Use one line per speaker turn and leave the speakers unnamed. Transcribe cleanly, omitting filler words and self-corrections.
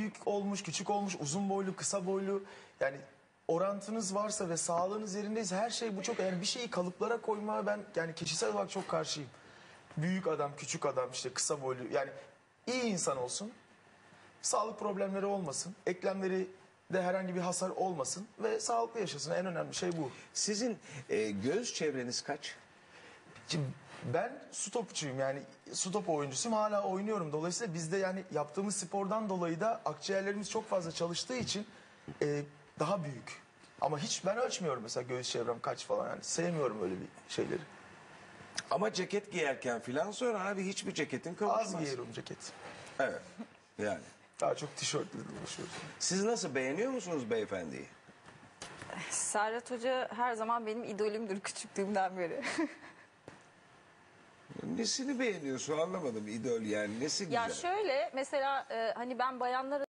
büyük olmuş, küçük olmuş, uzun boylu, kısa boylu. Yani orantınız varsa ve sağlığınız yerindeyse her şey bu çok. Yani bir şeyi kalıplara koymaya ben yani kişisel olarak çok karşıyım. Büyük adam, küçük adam, işte kısa boylu. Yani iyi insan olsun. Sağlık problemleri olmasın. Eklemleri de herhangi bir hasar olmasın ve sağlıklı yaşasın. En önemli şey bu.
Sizin göğüs çevreniz kaç?
Şimdi ben su topçuyum, yani su topu oyuncusuyum, hala oynuyorum. Dolayısıyla bizde yani yaptığımız spordan dolayı da akciğerlerimiz çok fazla çalıştığı için daha büyük. Ama hiç ben ölçmüyorum mesela göğüs çevrem kaç falan, yani sevmiyorum öyle bir şeyleri.
Ama ceket giyerken filan sonra abi hiçbir ceketin kavuşmaz.
Az giyiyorum ceket.
Evet. Yani.
Daha çok tişörtle dolaşıyoruz.
Siz nasıl, beğeniyor musunuz beyefendiyi?
Serhat Hoca her zaman benim idolümdür küçüklüğümden beri.
Nesini beğeniyorsun, anlamadım, idol yani nesi güzel?
Ya şöyle mesela hani ben bayanlara